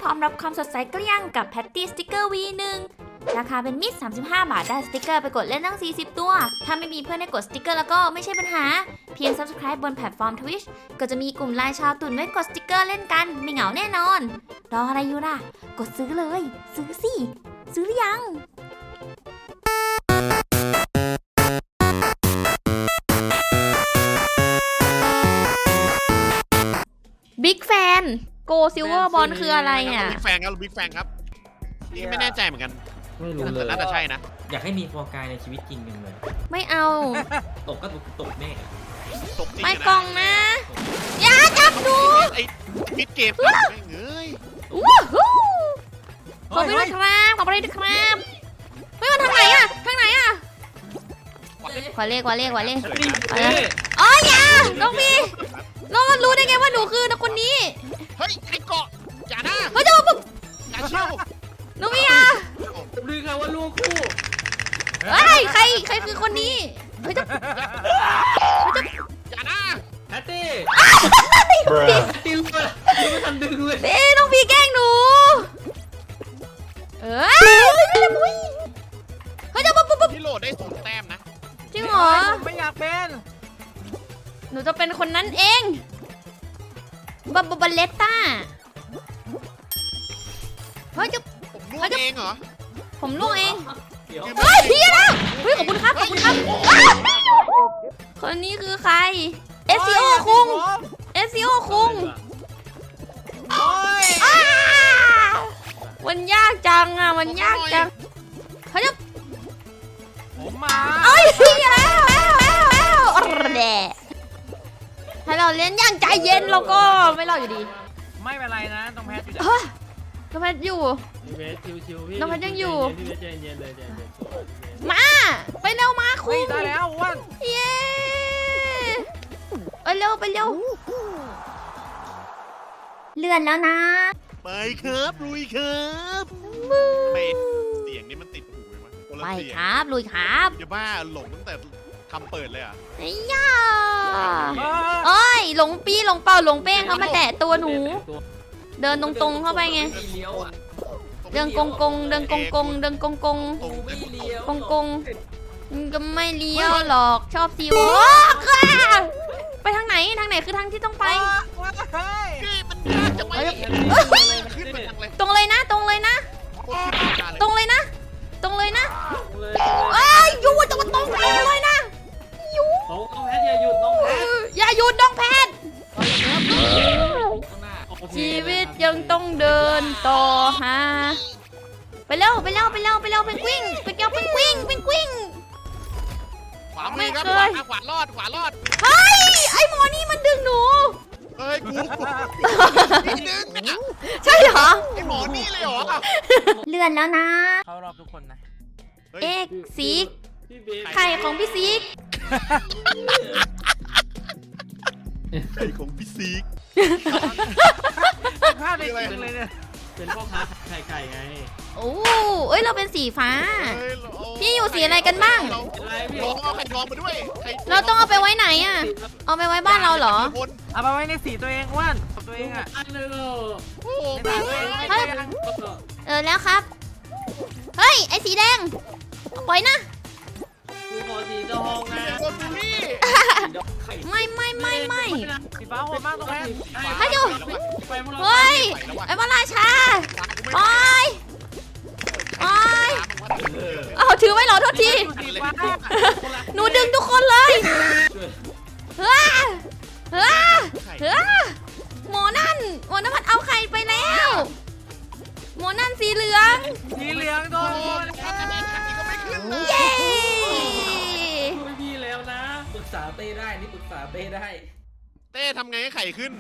ร้อมรับความสดใสเกลี้ยงกับแพตตี้สติกเกอร์ V1 ราคาเป็นมิตร35 บาทได้สติกเกอร์ไปกดเล่นตั้ง40ตัวถ้าไม่มีเพื่อนให้กดสติกเกอร์แล้วก็ไม่ใช่ปัญหาเพียง Subscribe บนแพลตฟอร์ม Twitch ก็จะมีกลุ่มไลน์ชาวตุ่นไว้กดสติกเกอร์เล่นกันไม่เหงาแน่นอนรออะไรอยู่ล่ะกดซื้อเลยซื้อสิซื้อหรือยังบิ๊กแฟนโกซิลเวอร์บอลคืออะไรอ่ะบิ๊กแฟนครับบิ๊กแฟนครับนี่ไม่แน่ใจเหมือนกันไม่รู้เลยน่าจะใช่นะอยากให้มีฟอร์กายในชีวิตจริงเลยไม่เอาตกก็ตกแน่ตกจริงไม่กล่องนะอย่าจับหนูไอ้มิดเกมไม่เงยว้าวขอไปด้วยครับขอไปด้วยครับเฮ้ยมันทางไหนอะทางไหนอะขอเลขอ๋ออย่าน้องพี่น้องมันรู้ได้ไงว่าหนูคือคนนี้เฮ้ยไอ้เกาะอย่านะเฮ้ยเดี๋ยวปุ๊บอย่าเชี่ยวน้องพี่อะลือกันว่าลูกคู่เฮ้ยใครคือคนนี้เฮ้ยจะอย่านะแพตตี้ติวเลยไม่ทันดึงเลยเด้น้องพี่แกล้งหนูเฮ้ยเดี๋ยวปุ๊บพี่โหลดได้0 แต้มนะจริงเหรอไม่อยากเป็นหนูจะเป็นคนนั้นเองบัลเลตต้าเฮ้ยจะผมรู้เองเหรอผมล่วงเองเดี๋ยวเฮ้ยพี่นะเฮ้ยขอบคุณครับคนนี้คือใคร SCO คุง SCO คุงโอ้ยมันยากจังอ่ะมันยากจังเฮ้ยผมมาเอ้ยแล้วแดะถ้าเราเล่นอย่างใจเย็นเราก็ไม่รอดอยู่ดีไม่เป็นไรนะต้องแพ้อยู่เฮ้ยน้องแพทอยู่พี่เวสชิวๆพี่น้องแพทยังอยู่พี่เวสใจเย็นเลยใจเย็นมาไปเร็วมาคุเฮ้ยณได้แล้วอ้วนเย้ไปเร็วเลื่อนแล้วนะไปครับลุยครับไม่เสียงนี่มันติดหูเลยวะคนละไปเสียงครับลุยครับอย่าบ้าหลงตั้งแต่คำเปิดเลยอ่ะไอ้ย่าเอ้ยหลงปีหลงเป่าหลงเป้งเขามาแตะตัวหนู เดินตรงๆเข้าไปไงเลี้ยวอ่ะเดินกงเดินกงเดินกงตรงไม่เลี้ยวมันก็ไม่เลี้ยวหรอกชอบซีโร่ค่ะไปทางไหนคือทางที่ต้องไปนี่มันยากจังวะขึ้นมาจังเลยตรงเลยนะโคตรขึ้นมาเลยตรงเลยนะเอ้ยหยุดตรงเลยนะหยุดน้องแพทอย่าหยุดน้องแพทอย่าหยุดน้องแพทข้างหน้าชีวิตยังต้องเดินต่อฮะไปเร็วเพนกวิ้งไปเกี่ยวเพนกวิ้งขวามือครับขวารอดเฮ้ยไอ้หมอนี่มันดึงหนูเฮ้ยกูนิดนึงอ่ะใช่เหรอไอหมอนี่เลยเหรอเลื่อนแล้วนะเข้ารอบทุกคนนะเอกซีกพี่เบสไข่ของพี่ซีกไข่ของพี่ซีกพลาดไปจริงเลยเนี่ยเป็นพ่อค้าไข่ไงโอ้เอ้ยเราเป็นสีฟ้าเฮ้ยพี่อยู่สีอะไรกันบ้างอะไรพี่ลองเอาไข่ทองมาด้วยเราต้องเอาไปไว้ไหนอะเอาไปไว้บ้านเราเหรอเอามาไว้ในสีตัวเองอ้วนตัวเองอ่ะอันนึงโอ้โหในสีตัวเองไม่เฮ้ยใช่ยังแล้วครับ เฮ้ยไอ้สีแดงปล่อยนะดูขอสีทองนะโดนบูลลี่ไข่ไม่สีฟ้าโหดมากตรงแพ้ให้ดูไปพวกเราเฮ้ยไอ้พระราชาปล่อยเอาถือไว้เหรอโทษทีสีฟ้าหนูดึงทุกคนเลยเฮ้ยหมอนั่นมันเอาไข่ไปแล้วหมอนั่นสีเหลืองสีเหลืองโดนเย้ช่วยพี่แล้วนะปรึกษาเต้ได้นี่ปรึกษาเต้ได้เต้ทำไงให้ไข่ขึ้น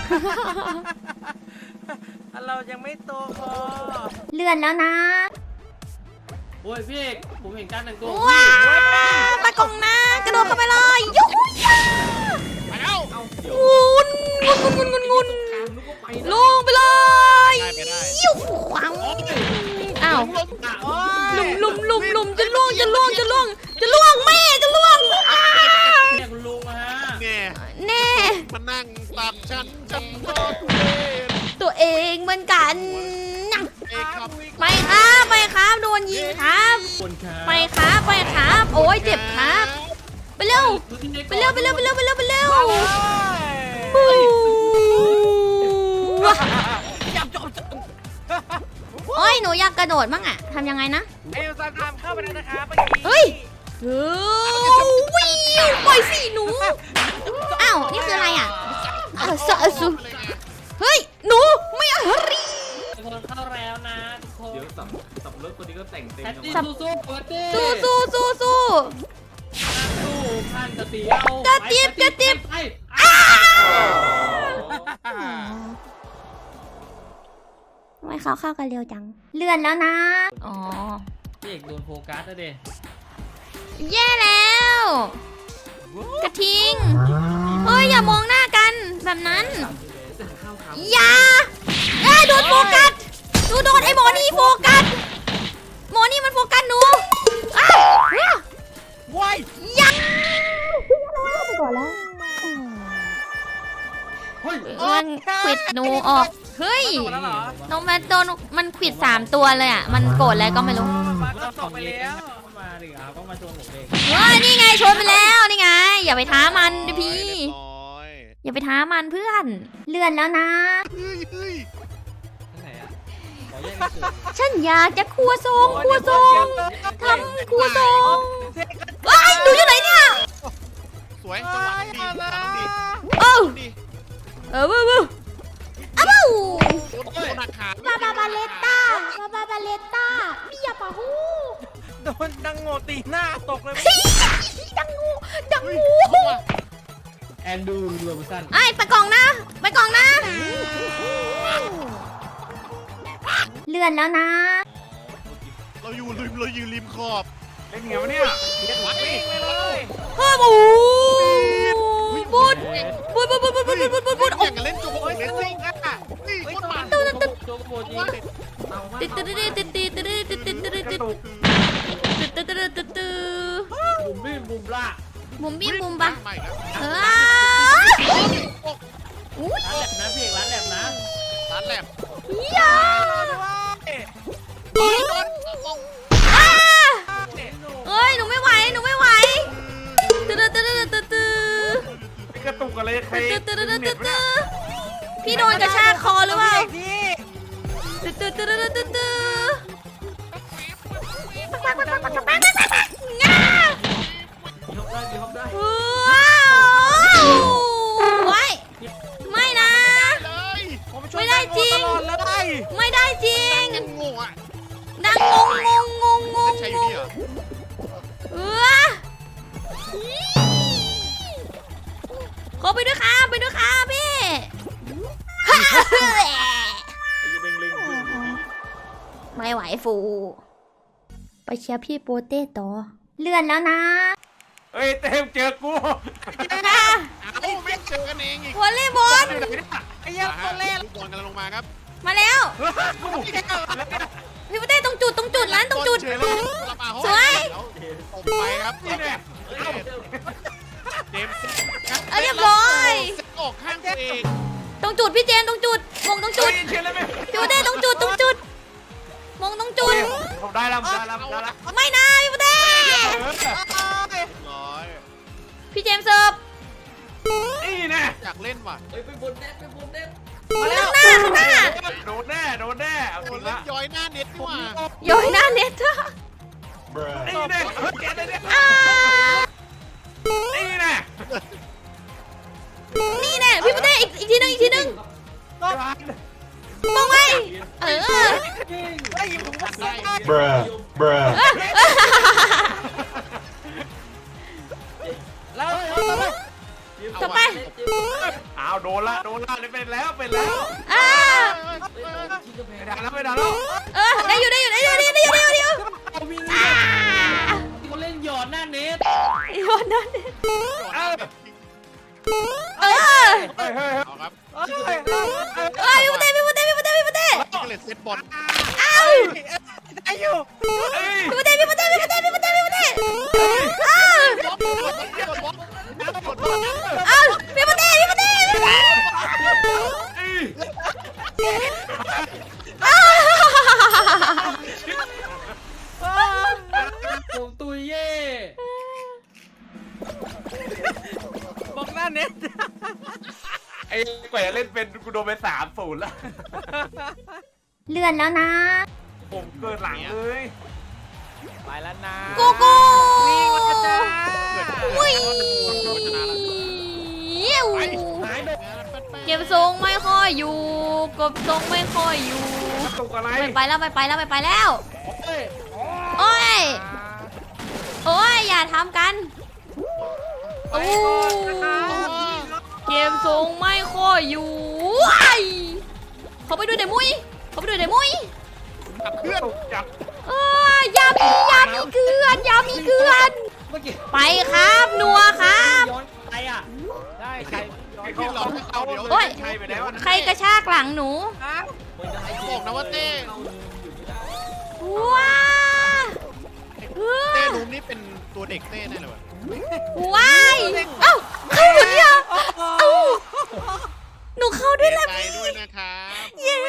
เรายังไม่โตพอเลื่อนแล้วนะโอ้ยพี่เอกผมเห็นการแต่งตัวว้าวตะกงนะกระโดดเข้าไปเลยยุ้ยไปแล้วงุนนึกว่าไปลงไปเลยไปได้ยุ้ขวางอ้าวโอ้ยลุมจะล่วงแม่จะล่วงเนี่ยคุณลุงฮะแง่แน่มานั่งตักฉันก็ทุเรศตัวเองเหมือนกันเไปครับไปครับโดนยิงครับคนครับไปครับไปครับ โอ้ยเจ็บครับ ไปเร็วไปเร็วไปเร็วไปเร็วไปเร็วไปเร็วบู๊จับจบโอ้ยหนูอยากกระโดดมั่งอะทำยังไงนะเอลซาตามเข้าไปแล้วนะครับเฮ้ยวิวปล่อยสิหนู อ้าว นี่คืออะไรอ่ะสะสุเฮ้ย หนู ไม่อะฮรีคนเข้าแล้วนะทุกคนเดี๋ยวสับรถคนนี้ก็แต่งเต็มแพตตี้จังสู้ๆเปิดดิสู้สู้สู้สู้สู้พันกระเตียวกระเตียบกระเตียบไปทำไมเขาเข้ากันเร็วจัง เลื่อนแล้วนะ อ๋อพี่เอกโดนโฟกัสแล้วเด้แย่แล้ว กระทิง เฮ้ย อย่ามองหน้ากันแบบนั้น อย่าโดนโฟกัสหนูโดนไอ้หมอนี่โฟกัส หมอนี่มันโฟกัสหนูอ้าวว้ายยังไปก่อนแล้วเฮ้ยมันขวิดหนูออก เฮ้ยหมดแล้วเหรอน้องแมทโดนมันขวิด3 ตัวเลยอ่ะ มันโกรธอะไรก็ไม่รู้มาก็ตกไปแล้วมาดิครับก็มาชวนผมเองเฮ้ย นี่ไงชนไปแล้ว นี่ไง อย่าไปท้ามันดิพี่เรียบร้อยอย่าไปท้ามันเพื่อน เลื่อนแล้วนะเฮ้ยเฮ้ยที่ไหนอ่ะขอแยกกันสุดฉันอยากจะครัวทรงครัวทรงทำครัวทรงว้ายหนูอยู่ไหนเนี่ยสวยจังหวะดีจังหวะดีโอ้ดีบูบูอ้าวโดนหักขาบาบาบาเลต้าบาบาบาเลต้ามีอย่าปะฮูโดนดังโง่ตีหน้าตกเลยดังงูดังเฮ้ยงูเอาว่ะแอนดูโรบินสันไอ้ไปกล่องนะไปกล่องนะ เลื่อนแล้วนะเราอยู่ริมขอบเล่นเหนียวเนี่ยเล่นวัดเองไปเลยเฮ้ยบูบูดบูดบูดบูดบูดบูดบูดบูดบูดอโอ้ยากจะเล่นจูบเลสซิ่งอ่ะนี่โคตรมันโจกโบจีติดติดติดติดติดติดติดติดติดติดติดติดติดติดติดบุมบี้บุมล่ามุมบี้มุมปะใหม่ครับเออโอ้อุ้ยร้านแลบนะพี่เอกร้านแลบนะร้านแลบยาโดนอ้าเอ้ยหนูไม่ไหวหนูไม่ไหวตึ๊ดตึ๊ดตึ๊ดตึ๊ดตึ๊ดกระตุกอะไรใครตึ๊ดตึ๊ดตึ๊ดตึ๊ดตึ๊ดตึ๊ดพี่โดนกระชากคอหรือเปล่าตึ๊ดตึ๊ดตึ๊ดตึ๊ดตึ๊ดตึ๊ดง่ายกได้ยกได้ว้าวไว้ไม่นะเลยไม่ได้จริงตลอดเลยไม่ได้จริงงงอ่ะดังงงใช่อยู่นี่เหรอเออขอไปด้วยค่ะไปด้วยค่ะพี่ไอ้ยังเป็นลิงคือไม่ไหวฟู ไปเชียร์พี่โปเต้ต่อ เลื่อนแล้วนะเฮ้ยเต็มเจอกูเอ้าไม่เจอกันเองอีกวอลเลย์บอลไอ้ยังตัวเล่นลูกบอลกำลังลงมาครับมาแล้ว พี่โปเต้ตรงจุดนั้นตรงจุด สวยตบไปครับเจมส์เรียบร้อยออกข้างตัวเองตรงจุดพี่เจนตรงจุดมงตรงจุดเชื่อเลยไหมพี่โปเต้ตรงจุดมงตรงจุดผมได้แล้วได้แล้วได้แล้วไม่นะพี่โปเต้ร้อยพี่เจมส์เสิร์ฟนี่แน่อยากเล่นว่ะเฮ้ยเป็นบนเน็ตเป็นบนเน็ตข้างหน้าโดนแน่โดนแน่เอาโอ้จริงเล่ละนย้อยหน้าเน็ตนี่หว่าโยนหน้าเน็ตนี่แน่เก็ตเลยเนี่ยอ่านี่แน่นี่แน่พี่โปเต้อีกทีนึงมองไว้เออไอ้ผมว่าได้ Bruh. Bruh. แล้วต่อไปอ้าวโดนละนี่เป็นแล้วอ่าไม่ได้แล้วได้อยู่อ่าเขาเล่นหยอดหน้าเน็ตโยนหน้าเน็ตเออเออเฮ้ยเอาครับพี่โปเต้นี่ก็เลยเซตบอลอ้าวได้อยู่เฮ้ยพี่โปเต้อ้าวบล็อกบล็อกอ้าวพี่โปเต้อ้าวเป็นกูโดนไป3-0แล้วเลื่อนแล้วนะผมเกินหลังเลยไปแล้วนะโกโก้วิ่งมาจ้าวิ่งชนะแล้วหายไปเก็บทรงไม่ค่อยอยู่เก็บทรงไม่ค่อยอยู่ตกอะไรไปแล้วไปแล้วไปแล้วเฮ้ยโอ้ยโอ้ยอย่าทำกันโอ้เก็บทรงไม่ค่อยอยู่ว้ายเขาไปดูเดมุยเขาไปดูเดมุยเพื่อนจับยามีเกลือนยามีเกลือนเมื่อกี้ไปครับนัวครับย้อนไปอ่ะได้ใครไอ้ที่เราให้เอาเดี๋ยวโอ้ยใครไปแล้วนะใครกระชากหลังหนูบอกนะว่าเต้ว้าเต้ลุมนี่เป็นตัวเด็กเต้แน่เลยวะว้ายเอ้าเข้าหนูเนี่ยเอ้าหนูเข้าด้วยแหละใจด้วยนะครับเย้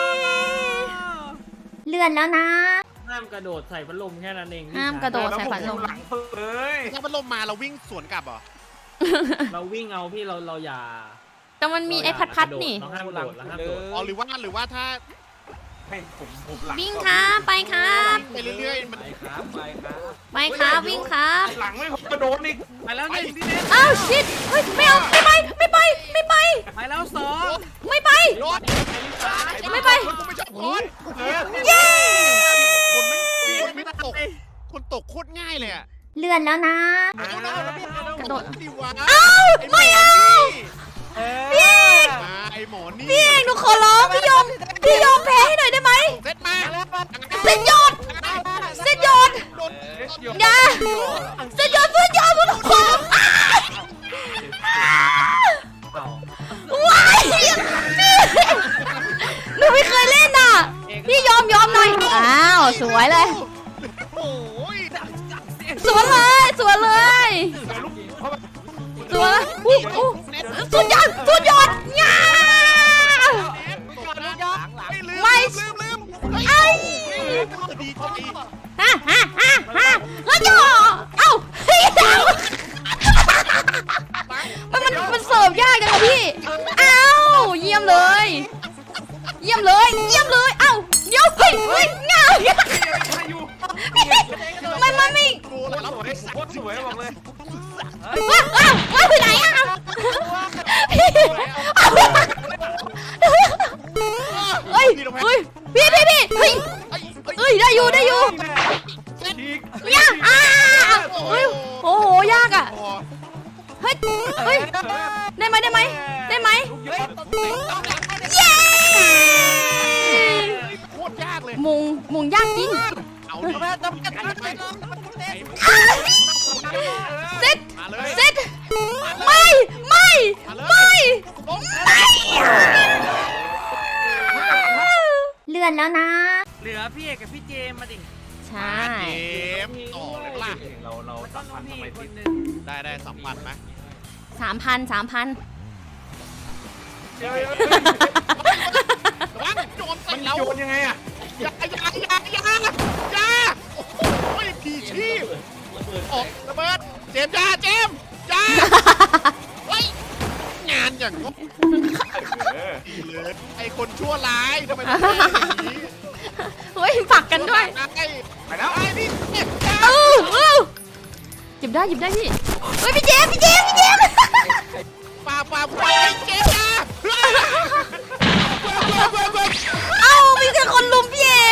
เลื่อนแล้วนะห้ามกระโดดใส่พัดลมแค่นั้นเองพี่ห้ามกระโดดแล้วใส่ผมฝันอลยู่มหลังสุดเลยถ้ามันลมมาเราวิ่งสวนกลับเหรอเราวิ่งเอาพี่เราอย่าแต่มันมีไอ้พัดๆนี่เราห้ามโดดเราห้ามโดดอ๋อหรือว่าถ้าให้ผมหลังวิ่งครับไปครับไปเรื่อยๆมันไปครับไปครับไปครับวิ่งครับหลังไม่ผมกระโดดอีกไปแล้วหนึ่งพี่เน็ตอ้าวชิดเฮ้ยไม่เอาไม่ไปไม่ไปไม่ไปไปแล้วสองไม่ไปรถไม่ไปกูไม่ชอบคนเย้คนไม่ตกคนตกโคตรง่ายเลยอะเลื่อนแล้วนะกระโดดดิวะไม่เอาพี่มาไอหมอนี่พี่เองหนูขอร้องพี่ยอมแพ้ให้หน่อยได้ไหมเซตมาเส้นยอดเส้นยอดโดนอย่าเส้นยอดสุดขอว้ายหนูไม่เคยเล่นอ่ะพี่ยอมหน่อยอ้าวสวยเลยโอ้ยสวยเลยสวยเลยสวยอู้สุดยอดง่าไม่ลืมไอ้ดีใจฮ่าแล้วจ่อเอ้าเฮ้ยมันเสิร์ฟยากจังพี่เอ้าเยี่ยมเลยเอ้าเดี๋ยวเฮ้ยง่าไม่โกแล้วสวยโคตรสวยบอกเลยว้าวไปไหนอ่ะเฮ้ยพี่เฮ้ยได้อยู่ ยากเฮ้ยโอ้โหยากอ่ะเฮ้ยได้ไหมเย้โคตรยากเลยมุงยากจริงเอาดิเซ็ตมาเลยเซ็ตไม่เลื่อนแล้วนะเหลือพี่เอกกับพี่เจมมาดิใช่เกมต่อเลยล่ะเราต้สัองมพันธ์พี่ทำไมคตินดหนึ่งได้2,000ไหม 3,000 ระวังโจมใส่มันเราโยนยังไงอะอย่าโอ้ยผีชีพออกระเบิดเจมไว้งานอย่างง ดีเลยไอคนชั่วร้ายทำไมต้องเป็นอย่างนี้เฮ้ยฝักกันด้วยไปแล้วไอ้นี่เจ็บหยิบได้พี่เฮ้ยพี่เจมส์ป่าไอ้เจ็บนะเอ้ามีแต่คนลุมพี่เอก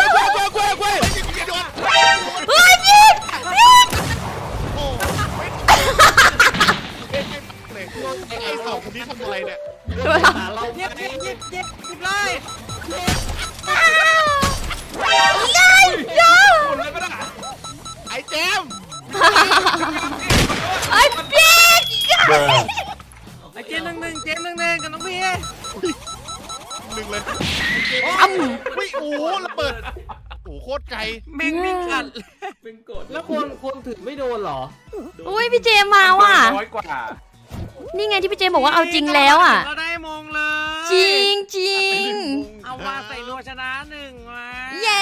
เฮ้ยพี่โอ้ไอ้สองคนนี้ทำอะไรเนี่ยเราเย็บเลยคนเลยก็ได้ไอ้เจมไอ้พี่ไอ้เจมหนึ่งกับน้องพี่หนึ่งเลยอ้ำไม่โอ้ระเบิดโอ้โคตรไกลแม่งวิ่งกัดเป็นกฎแล้วคนถือไม่โดนเหรออุ้ยพี่เจมมาว่ะน้อยกว่านี่ไงที่พี่เจมบอกว่าเอาจริงแล้วอ่ะเราได้มงเลยจริงเอามาใส่นัวชนะหนึ่งมาเย้